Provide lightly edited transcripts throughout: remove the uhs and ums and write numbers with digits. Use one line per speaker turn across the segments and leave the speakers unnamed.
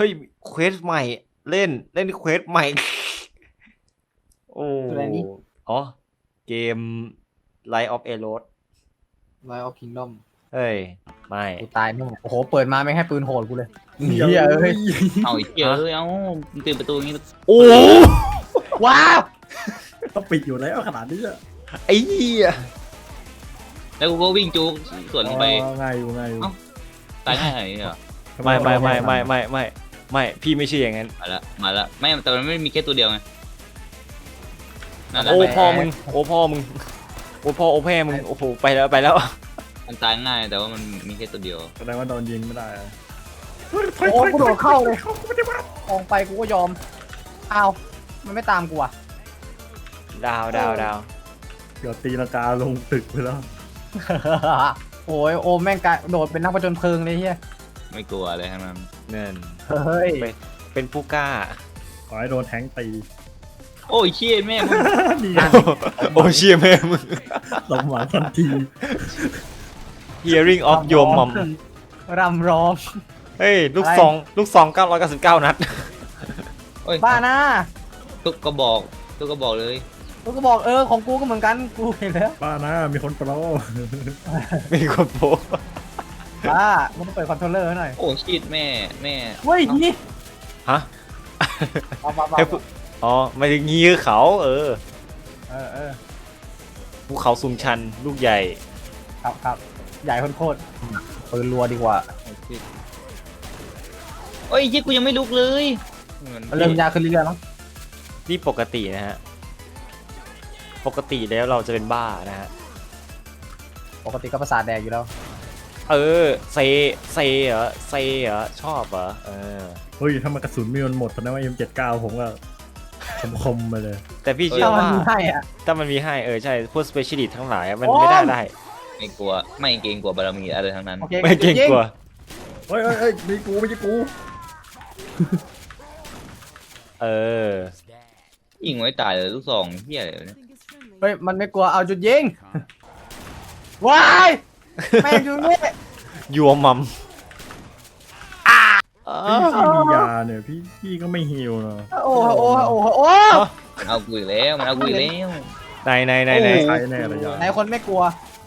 ฮ้ยเควสใหม่เล่นเควสใหม่โอ้อ๋อเกม Light of Eros
Light of Kingdom
เฮ้ยไม่
กูตายแน่โอ้โหเปิดมาไม่ให้ปืนโหดกูเลยเฮียเอ้ย
เอาอีกเยอะเอ้าตื่นประตูอย่างงี้
โอ้
ว้าว
ต้องปิดอยู่แล้วขนาดนี้อะ
ไอ้เหี้ย
แล้วกูก็วิ่งจูกสวนลงไป
ง่ายอยู่ง่ายอยู่
ตายง่ายขนาดนี้เหรอ
ไม่พี่ไม่ใช่อย่างนั้น
มาละไม่แต่มันไม่มีแค่ตัวเดียวไงนั่นแหละ
โอ้พ่อมึงโอ้พ่อมึงโอ้พ่อโอ้แม่มึงโอ้โหไปแล้ว
มันตายง่ายแต่ว่ามันมีแค่ตัวเดียว
แสดงว่าโดนยิงไม่ได้อะ
โอ้กูโดดเข้าเลยออกไปกูก็ยอมอ้าวมันไม่ตามกูอ่ะ
ดาว
เดี๋ยวตีลังกาลงตึกไปแล้ว
โอ้ยโอมแม่งกะโดดเป็นนักผจญเพลิงเลยเฮีย
ไม่กลัวอะไรทั้งนั้น
เงิน
เฮ้ย
เป็นผู้กล้า
ขอให้โดนแทงตี
โอ้ยเชี่ยแม่มึง
นี่
โอ้เชี่ยแม่มึง
สมหวังทันที
Hearing of your mom
รำร้อง
เฮ้ยลูกซอง999 นัด
โอ้ย
บ้านะ
ทุกกระบอกเลย
กูก็บอกของกูก็เหมือนกันกูเห็นแล้ว
ป้านะมีคนโปร
มีคนโพส
บ้ามึงต้องเปิดคอนโทรลเลอร์หน่อย
โอ้ชิดแม่
เฮ้ยนี่
ฮะ
เอา
ให้พูดอ๋อไม่ถึงงี้คือเขา
เออ
ภูเขาสูงชันลูกใหญ่
ครับใหญ่โคตรปืนรัวดีกว่า
โอ้ยยี่กูยังไม่ลุกเลย
เริ่มยากขึ้นเรื่อยๆมั้ง
นี่ปกตินะฮะปกติแล้วเราจะเป็นบ้านะฮะ
ปกติก็ประสาทแดกอยู่แล้ว
เซเหรอชอบเหรอ
เฮ้ยถ้ามันกระสุนมีมันหมดแสดงว่า M79 ผมก็คมไปเลย
แต่พี่เชื่อ
ถ้ามัน
ว่า
มีให้อ่ะ
ถ้ามันมีให้ใช่พวก specialist ทั้งหลายมัน
โอ้
ไม่ได้
ไม่กลัวไม่เกรงกลัวบารมีอะไรทั้งนั้น
โอเค
ไม่เก่งกลัว
เฮ้ยมีกูไม่ใช่กู
ยิงไว้ตายเลยลูกซองเฮียอะไรเนี่ย
เฮ้ยมันไม่กลัวเอาจุดยิงว้ายแม่งอยู่นี่
ยัวมัม
พี่มียาเนี่ยพี่ก็ไม่ฮิวเนาะ
โอ้
มันเอากูอีกแล้วมันเอากูอีกแล้ว
ไหน
ใช้แน่เลยยา
ไหนคนไม่กลัว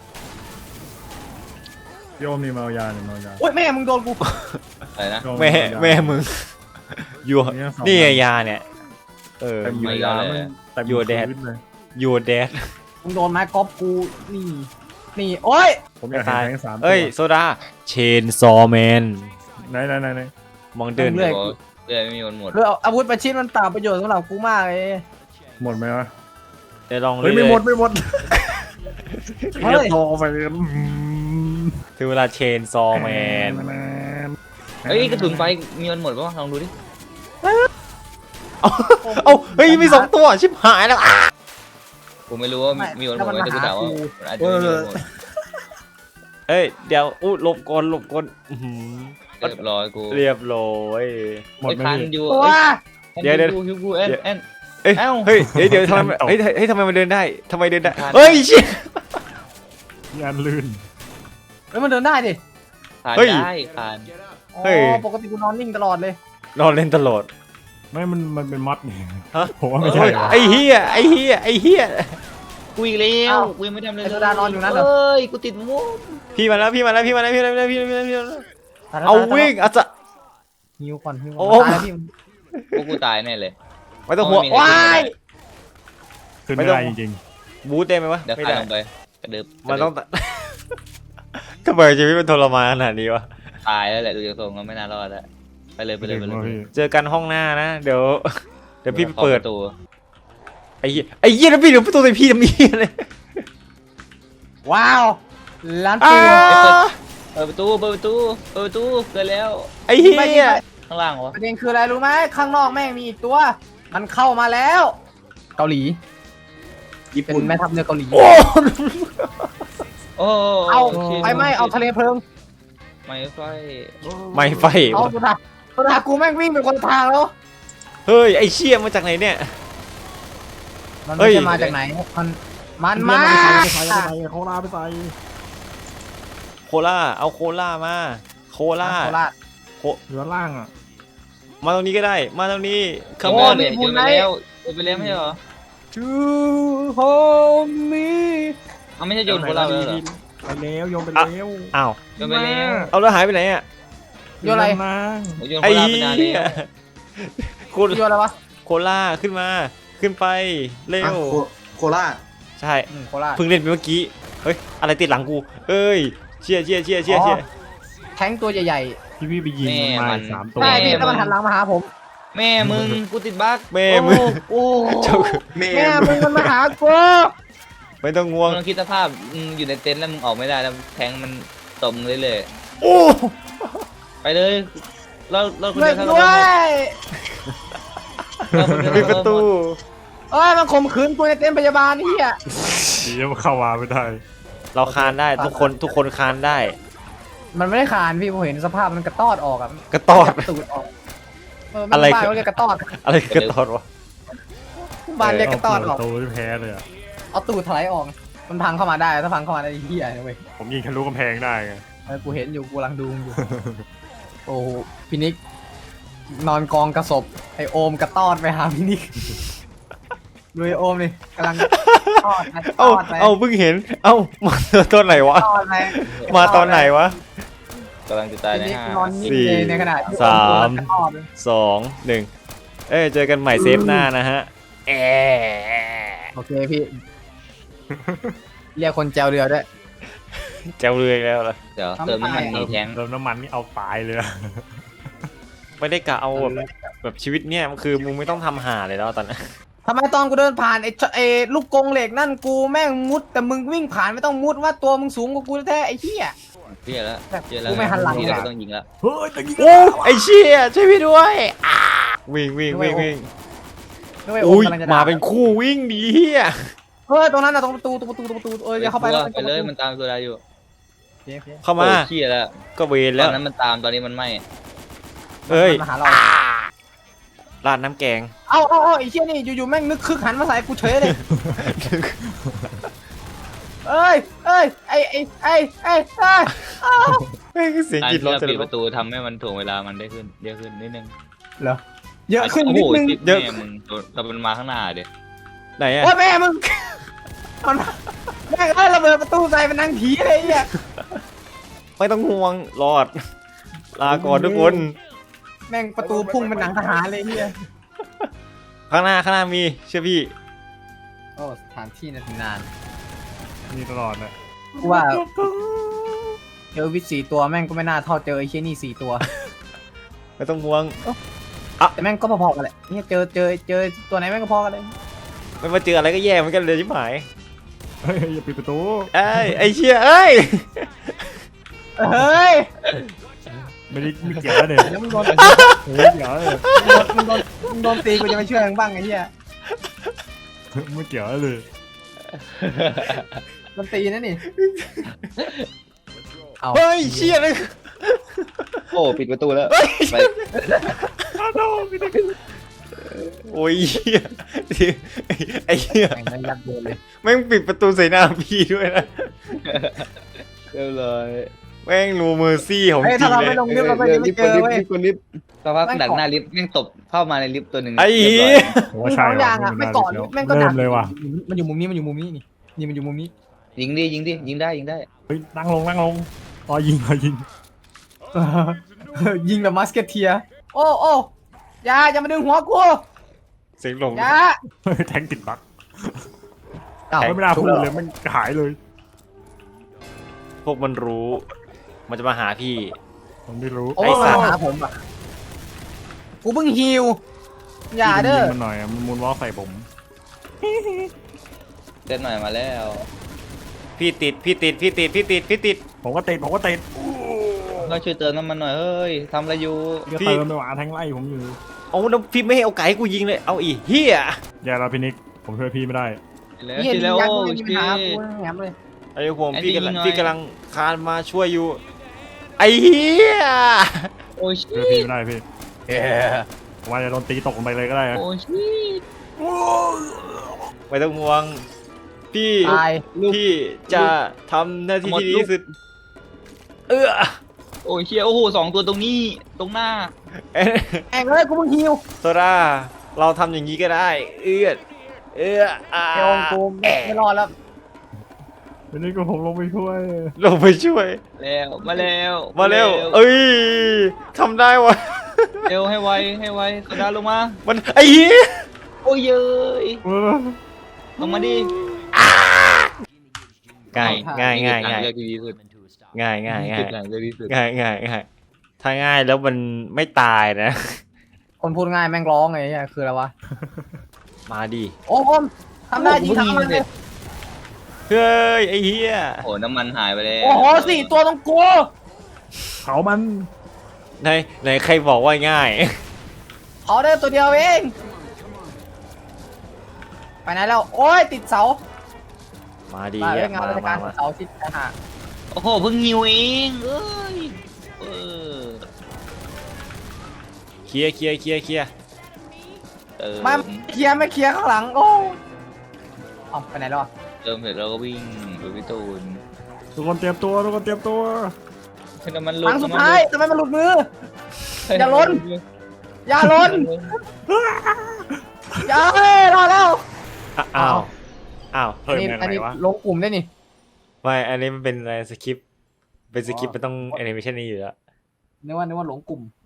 พี่โอมนี่เมายาเนี่ยเมายา
โอ้ยแม่มึงโดนกู
อะไรนะ
แม่มึงยัวนี่ไงยาเนี่ย
เต็ม
ยัวย
ามันเต็ม
ยัวแดด
พื้นเลย
ยัวแดด
มึงโดนไม้กอล์ฟกูนี่โอ้ย
ผมอยากเห็นแทง3
เอ้ยโซดาเชนซอแมน
ไหน
มองเดิน
เรื่อยไม่มีวันหมด
เรื่องอาวุธประชิดมันเปล่าประโยชน์สำหรับกูมากเลย
หมดไหมวะ
เดี๋ยวลอง
เฮ้ยไม่หมด
เฮ้ย
เรียบโตไปเลย
ถึงเวลาเชนซอแมน
เฮ้ยกระสุนไฟมีวันหมดป่ะลองดูดิ
เอาเฮ้ยมี2 ตัวชิบหายแล้ว
ผมไม่รู้ว่ามีวันหมดไหมแต่กูถามว่ามันอาจจะไม่มีวันหมด
เอ้ยเดี๋ยวหลบก่อน
เรียบร้อยกู
เรียบร้อย
หมดไหม
คัน
พี่
อยู่
ตัว
เดี๋ยว
ฮิวกูแอน
เอ้ย
เอ้า
เฮ้ยเดี๋ยวทำไมทำไมมันเดินได้ทำไมเดินได้
ผ่าน
เฮ้ยชิ
งานลื่น
เฮ้ยมันเดินได้ดิ
ผ่านได้ผ่าน
อ๋
เฮ้ย
อปกติกูนอนนิ่งตลอดเลย
นอนเล่นตลอด
ไม่มันเป็นมัดนี่
ฮะ
ผมว่าไม่ใช่
ไอ้เหี้ย
กูอีกแล้วกูยังไม่ทำเลย
ไอ้โซดานอนอยู่นั่นเหรอ
เอ้ยกูติดมุก
พี่มาแล้วเอาวิ่งอาจจะ
หิวก่อนหิว
โอ้
ก่อนตายแล้วพี่
กูตายแน่เลย
ไม่ต้องห่วง
ว้าย
ขึ้นไม่ได้จริง
บูทได้ไหมวะ
เดี๋ยว
ไม่
คลาย
ได้
ลงไปกระดึบ
มันต้องทำไมชีวิตมันทรมานขนาดนี้วะ
ตายแล้วแหละดูจากทรงก็ไม่น่ารอดแล้วไปเลย
ๆ
ไปเลย
เจอกันห้องหน้านะเดี๋ยวพี่ไปเปิด
ตัว
ไอ้เหี้ยแล้วพี่เดี๋ยวประตูใส่พี่ทำนี้เลย
ว้าวร้าน
อ้า
ปืน
เปิดประตูเกิดแล้ว
ไอ้เหี้ย
ข้างล่างวะ
ประเด็นคืออะไรรู้ไหมข้างนอกแม่งมีอีกตัว มันเข้ามาแล้ว เกาหลีเป็นแม่ทัพเรือเกาหลี
โอ้
โอ้
เอาไปไม่เอาทะเลเพลิง
ไม่ไฟ
ไม่ไฟ
เอาตัวดากูแม่งวิ่งเป็นคนละทางแล้ว
เฮ้ยไอ้เชี่ยมาจากไหนเนี่ย
มัน
เฮ้
ไม่
ย
ใช่มาจากไหนมันมา
เขาลาไปใส่
โคล่าเอาโคล่ามาโคล่า
โคราช
เหลือล่างอ่ะ
มาตรงนี้ก็ได้มาตรงนี้ข
โอ้
มอน
เนี่ยโยนไปแล้วโยนไปแล้วไม่ใช่เหรอ
To hold me
เอาไม่ใช่โยนคนเราเลยเหรอ
ไปแล้วโยนไปแล้ว
อ้าว
โยนไปแล้ว
เอาแล้วหายไปไหนอ่ะ
โยนอะไร
มา
โอ้ยโยนค
ไอ้
นเรา
เหี้
ไปนานเลย
ยโค
โยนอะไรวะ
โคล่าขึ้นมาขึ้นไปเร็ว
โคราช
ใช่
โคราช
เพิ่งเล่นไปเมื่อกี้เฮ้ยอะไรติดหลังกูเอ้ยเชี่ย
แทงตัวใหญ่
ที่พี่ไปยิงมันมาอีก3
ๆ
ตัว
ใช่พี่แล้วมันหันหลังมาหาผม
แม่มึงกูติดบั๊ก
แม่มึง
โอ้
เจ้า
แม่
แม่มึงมันมาหากู
ไม่ต้องง่วง
มึงลองคิดสภาพมึงอยู่ในเต็นท์แล้วมึงออกไม่ได้แล้วแทงมันตบมึงเลย
โอ้
ไปเลยเราคน
เลิ
เดีย
ก
วเท่า
ด้ว
นั้น
ย
ปิดประตู
เอ้ยมันข่มขืนกูในเต็นท์พยาบาลนี่อ่ะ
ดีแล้วมันเข้ามาไม่ได้
เราคานได้ทุกคนคานได้
มันไม่ได้คานพี่ผมเห็นสภาพมันกระตอดออกอะ
กระตอด
ตูดออก
อะไร
บ้านเขาเรียกกระตอด
อะไรคือกระตอดวะ
บ้านเรียกกระตอดออก
โตที่แพ้เลยอ่ะ
เอาตูดถลายออกมันพังเข้ามาได้ถ้าพังเข้ามาได้เหี้ยนะเว้ย
ผมยิงทะลุกำแพงได้ไง
กูเห็นอยู่กูกำลังดูมึงอยู่ โอ้โหพี่นิกนอนกองกระสบไอโอมกระตอดไปหาพี่นิกดูไอโอมนี่กำลังตอดไปต
เอ้า
อดไป
เอ้าเพิ่งเห็นเอ้ามาตอนไหนวะ
ตอดไป
มาตอนไหนวะ
กำลังจะตาย
พี่
ใน
นิก
ห้าน
อนนิ่ง
สี่
เลยในขณะที่
สาม
กระตอดเลย
2 1เอ้ยเจอกันใหม่เซฟหน้านะฮะแอะ
โอเคพี่ เรียกคนแจวเรือด้วย
แจวเรืออีกแล้วเหรอ
เดี๋ยวเติมน้ำมันหนีแทง
เติมน้ำมันนี่เอาตายเลยอะ
ไม่ได้กะเอาแบบชีวิตเนี่ยมันคือมึงไม่ต้องทำหาเลยแล้วตอนนั้น
ทำไมตอนกูเดินผ่านไอ้ลูกกรงเหล็กนั่นกูแม่งมุดแต่มึงวิ่งผ่านไม่ต้องมุดว่าตัวมึงสูงกว่ากูแท้ๆไอ้เหี้ย
เพี้ยแล้ว
แบบ
เพี้ยแล้ว
กูไม่หันหลัง
ทีเราก็ต้องยิงแล้ว
เฮ้ยตะกี้
โอ้ไอ้เชี่ยช่วยพี่ด้วยอ่าวิ่งวิ่งวิ่งวิ่ง
นึกว่าไอ้โอ
อุ้
ม
ย
กำลังจะ
มา
ด่า
เป็นคู่วิ่งดีเฮีย
เฮ้ยตรงนั้นน่ะตรงประตูอย่าเข้าไป
ไปเลยมันตามตัวได้อยู่
เข้ามา
โอ้เพี้ยแล้ว
ก็เวร
ต
แล้
อ
วน
นั้นมันตามตอนนี้มันไม่
เอ้ย
มาหาเรา
ราดน้ำแกง
เอาไอ้เชี่ยนี่อยู่ๆแม่งนึกคึกหันมาใส่กูเฉยเลยเอ้ยไอ้อ้าว
แม่งเสียง
การ
กรีด
ที่
ร้อง
เรา
จะ
ปิด
ล
ประตูทำให้มันถ่วงเวลามันได้ขึ้นเยอะขึ้นนิดนึง
เหรอเยอะขึ้นนิดนึง
เยอะมึงเราเป็นมาข้างหน้าเดี๋ยว
ไหนอะ
โอ้ยแม่มึงมันแม่งระเบิดประตูใส่เป็นนางผีเลยไอ้เหี้ย
ไม่ต้องห่วงรอด ลาก่อนทุกคน
แม่งประตูพุ่งเป็นหนังทหารเลยไอ้เหี้ย
ข้างหน้ามีเชื่อพี่
โอ้สถานที่นาน
มีตลอดเลย
กูว่าเจอวิท4 ตัวแม่งก็ไม่น่าเท่าเจอไอ้เชี่ยนี่4 ตัว
ไม่ต้องห่วง
แต่แม่งก็พอๆกันแหละเนี่ยเจอตัวไหนแม่งก็พอกันเลย
ไม่มาเจออะไรก็แย่เหมือนกันเลยชิบหาย
เฮ้ยอย่าปิดประตู
ไอ้เชี่ยเอ้ย
เฮ้ย
ไม่เกี่ยวเลย
แล้วมึงโดน
เฮ้ยเกี่ยวเลย
มึงโดนตีกูจะไม่ช่วยมึงบ้างไอ้เหี้ย
ไม่เกี่ยวเลย
โดนตีนะนี่เอา
เฮ้ยเชี่ยเลย
โอ้ปิดประตูแล้วไป
โอ้ยเหี้ยไอ้เหี้ย
แม่งไม่ยักโดนเลย
แม่งปิดประตูใส่หน้าพี่ด้วยนะ
เรียบร้อย
แม่งนูเมอร์ซี่ของ
เฮ้ย
จริ
ถ้าง เรา
เล
ไม่
ย
ลงลิฟต์เราก็จะไม่เจอเว้ย
ลิฟต์สภาพดักหน้าลิฟต์แม่งตบเข้ามาในลิฟต์ตัวหนึ่ง
ไอ้
เรียบ
เหี้
ร้อย ย
ผมว่าใช่
สองอย่างอ่ะไม่ก่อนแม่งก็ดั
เริ่
ก
มเลยว่ะ
มันอยู่มุมนี้นี่มันอยู่มุมนี้
ยิงดิยิงได้
เฮ้ยนั่งลงอ๋อยิง
ยิงแบบมัสเกตเทียโอ้อย่ามาดึงหัวกู
เสียงหลง
อย่า
เฮ้ยแทงติดบั๊ก
เอ้า
ไม่น่าพูดเลยมันหายเลย
พวกมันรู้ มันจะมาหาพี่
ผมไม่รู้
โอ้
ไอ้สั
มา
ตว์
หาผมอ่ะกูเพิ่งฮิวอย่าเด้อ
มันหน่อยมันมูนวอล์กใส่ผม
เจ็ดหน่อยมาแล้ว
พี่ติด
ผมก็ติด
ก็ช่วยเติมน้ำมันหน่อยเฮ้ยทำอะไรอยู่
ก็เติมไปหวานแทงไล่ผมอยู่
เอาแล้วพี่ไม่ให้เอาไก่ให้กูยิงเลย เอาอีเฮีย
อย่าเราพินิกผมช่วยพี่ไม่ได้
แล้ว
นี่
ชิแล้ว
ยัก
โอ้
ษ์มีปัญ
ชิ
หากูแหมเลย
ไอ้ห่วง
ไอ้
พี่
พี่
กำลัง
ยิงหน่อย
พี่กำลังคานมาช่วยอยู่ ไอ้เฮีย
โอ้ชิ
ช่วยพี่ไม่ได้พี่ผมว่าจะโดนตีตกลงไปเลยก็ได้นะ
โอ้ชิ
ไม่ต้องห่วง พี่
ตาย
พี่จะทำหน้าที่ที่ดีที่สุด
โอ้เชียโอ้โห2 ตัวตรงนี้ตรงหน้า
เอ๊ะ
แองเลยกูมึงฮิว
โซดาเราทำอย่างนี้ก็ได้ เอื้ออ่า
ไอโอมกูไม่รอดแล้ว
วันนี้ก็ผมลงไปช่วย
ลงไปช่วย
แล้วมาแล้ว
มาเร็ว เอ้ยทำได้วะ
เร็วให้ไวให้ไวโซดาลงมา
มันไอ้เหี้ย
โอ้ยเย้ยลงมาดิ
ง่ายง่ายง่ายง่าย
เลือกที่ดีสุด
ง่ายง่ายง่าย
ทางเลือกที่สุด
ง่ายง่ายง่ายถ้าง่ายแล้วมันไม่ตายนะ
คนพูดง่ายแม่งร้องไงเนี่ยคืออะไรวะ
มาดิ
โอมทำได้จริงทำมันเลย
เฮ้ยไอ้เหี้ย
โอ้น้ำมันหายไปแล้ว
โอ้โห4 ตัวต้องกู
เผามัน
ไหนใครบอกว่าง่าย
เขาได้ตัวเดียวเองไปไหนแล้วโอ้ยติดเสา
มาดิ
มาเรื่องงานราชการ
มา
เสาชิดนะฮะ
โอ้โหเพิ่งหิวเองเอ้ยเออ
เคลียร์เคลียร์เคลียร์เคลียร์
เติม
มาเคลียร์ไม่เคลียร์ข้างหลังโอ้เอาไปไหนแล้วอะ
เติมเสร็จเราก็วิ่งไปพี่ตูน
ทุกคนเตรียมตัวทุกคนเตรียมตัว
ให้น้ำมัน
ค
ลุก
รั้งสุดท้ายทำไมมันหลุดมือ อย่าล้น อย่าล้นอย่าเฮ้ยรอดแล้ว
อ้าวอ้าว
อั
เพิ่
น
ม
นี้
ยัง
อัน
ไง
นี้
วะ
ลงกลุ่มได้นี่
ไม่อันนี้มันเป็นอะไรสคริปต์เป็นสคริปต์มันต้องแอนิเมชันนี้อยู่แล้ว
นึกว่าหลงกลุ่ม